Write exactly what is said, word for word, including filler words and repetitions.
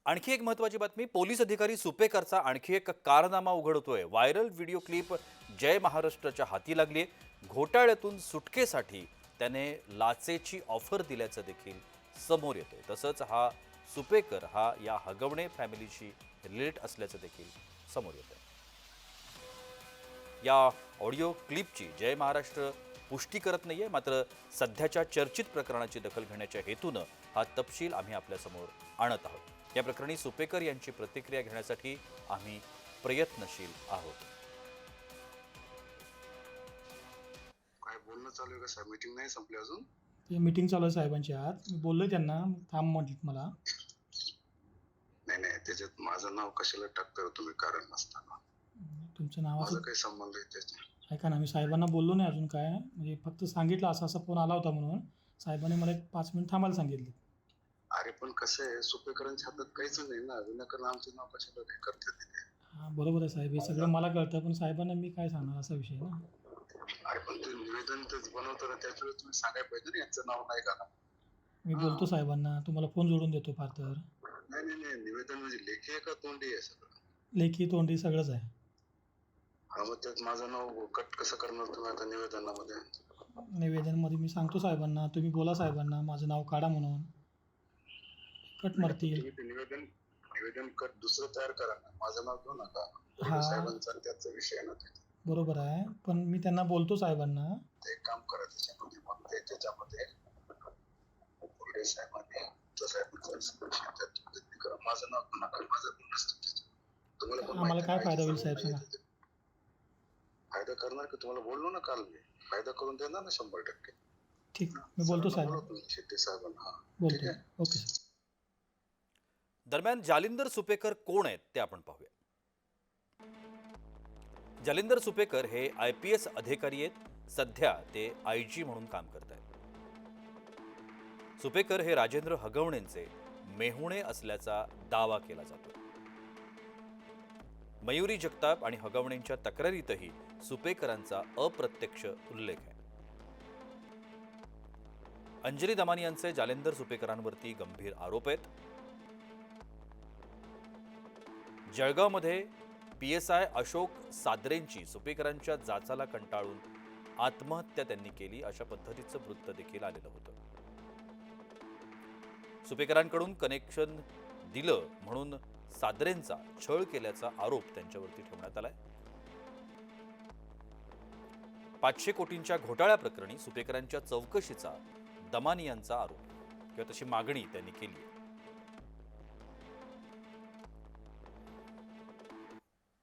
आणखी एक महत्त्वाची बातमी, पोलीस अधिकारी सुपेकरचा आणखी एक कारनामा उघड होतोय। व्हायरल व्हिडिओ क्लिप जय महाराष्ट्रच्या हाती लागली। घोटाळ्यातून सुटकेसाठी त्याने लाचेची ऑफर दिल्याचं देखील समोर येतंय। तसंच हा सुपेकर हा या हगवणे फॅमिलीशी रिलेट असल्याचं देखील समोर येतंय। या ऑडिओ क्लिपची जय महाराष्ट्र पुष्टी करत नाहीये, मात्र सध्याच्या चर्चित प्रकरणाची दखल घेण्याच्या हेतूनं हा तपशील आम्ही आपल्यासमोर आणत आहोत। या प्रकरणी सुपेकर यांची प्रतिक्रिया घेण्यासाठी आम्ही प्रयत्नशील आहोत। काय बोलणं चालू आहे का साहेब? मीटिंग नाही संपली अजून? ते मीटिंग चालू आहे साहेबांची आज। मी बोललोय त्यांना, थांब म्हटलं मला। नाही नाही, त्याच्यात माझं नाव कशाला टाकता तुम्ही कारण नसताना? तुमचं नावाचं माझा काही संबंध आहे त्याच्यात? ऐका ना, मी साहेबांना बोललो नाही अजून काय, म्हणजे फक्त सांगितलं असा असा फोन आला होता म्हणून साहेबांनी मला एक पाच मिनिट थांबायला सांगितलं। अरे पण कसं आहे, सुपेकरांच्या हातात काहीच नाही ना, विनाकारण आमचं नाव कशाला हे करतात तिथे? हां बरोबर आहे साहेब, हे सगळं मला कळतं, पण साहेबांना मी काय सांगणार असा विषय आहे ना। अरे पण ते निवेदन तेच बनवताना त्याच वेळेस तुम्ही सांगायला पाहिजे ना यांचं नाव नाही का? मी बोलतो साहेबांना, तुम्हाला फोन जोडून देतो फार तर। नाही नाही नाही, निवेदन म्हणजे लेखी आहे का तोंडी आहे सगळं? लेखी तोंडी सगळंच आहे। हा मग त्यात माझं नाव कट कसं करणार तुम्ही आता निवेदनामध्ये? निवेदनमध्ये मी सांगतो साहेबांना, तुम्ही बोला साहेबांना माझं नाव काढा म्हणून, कट मारतील। तुम्ही ते निवेदन निवेदन कट दुसरं तयार करा ना, माझं नाव घेऊ नका। हा साहेबांचा त्याचा विषय आहे ना ते। बरोबर आहे, पण मी त्यांना बोलतो साहेबांना। ते एक काम करा, त्याच्यामध्ये मग ते त्याच्यामध्ये पुढे साहेबांनी माझं नाव नका, माझं पण नसतं त्याच्यात। तुम्हाला पण आम्हाला माहिती काय आहे, फायदा होईल माहिती साहेब सांगून सांगा? नाही येत. फायदा करणार की तुम्हाला बोललो ना काल मी, फायदा करून देणार ना शंभर टक्के। ठीक, मी बोलतो साहेब, शेट्टी साहेबांना। हा ठीक बोलतो। आहे, ओके सर। दरम्यान जालिंदर सुपेकर कोण आहेत ते आपण पाहूया। जालिंदर सुपेकर हे आय पी एस अधिकारी आहेत। सध्या ते आय जी म्हणून काम करत आहेत। सुपेकर हे राजेंद्र हगवणेंचे मेहुणे असल्याचा दावा केला जातो। मयुरी जगताप आणि हगवणेंच्या तक्रारीतही सुपेकरांचा अप्रत्यक्ष उल्लेख आहे। अंजली दमानी यांचे जालिंदर सुपेकरांवरती गंभीर आरोप आहेत। जळगावमध्ये पी एस आय अशोक सादरेंची सुपेकरांच्या जाचाला कंटाळून आत्महत्या त्यांनी केली, अशा पद्धतीचं वृत्त देखील आलेलं होतं। सुपेकरांकडून कनेक्शन दिलं म्हणून सादरेंचा छळ केल्याचा आरोप त्यांच्यावरती ठेवण्यात आलाय। पाचशे कोटींच्या घोटाळ्या प्रकरणी सुपेकरांच्या चौकशीचा दमानी यांचा आरोप किंवा तशी मागणी त्यांनी केली।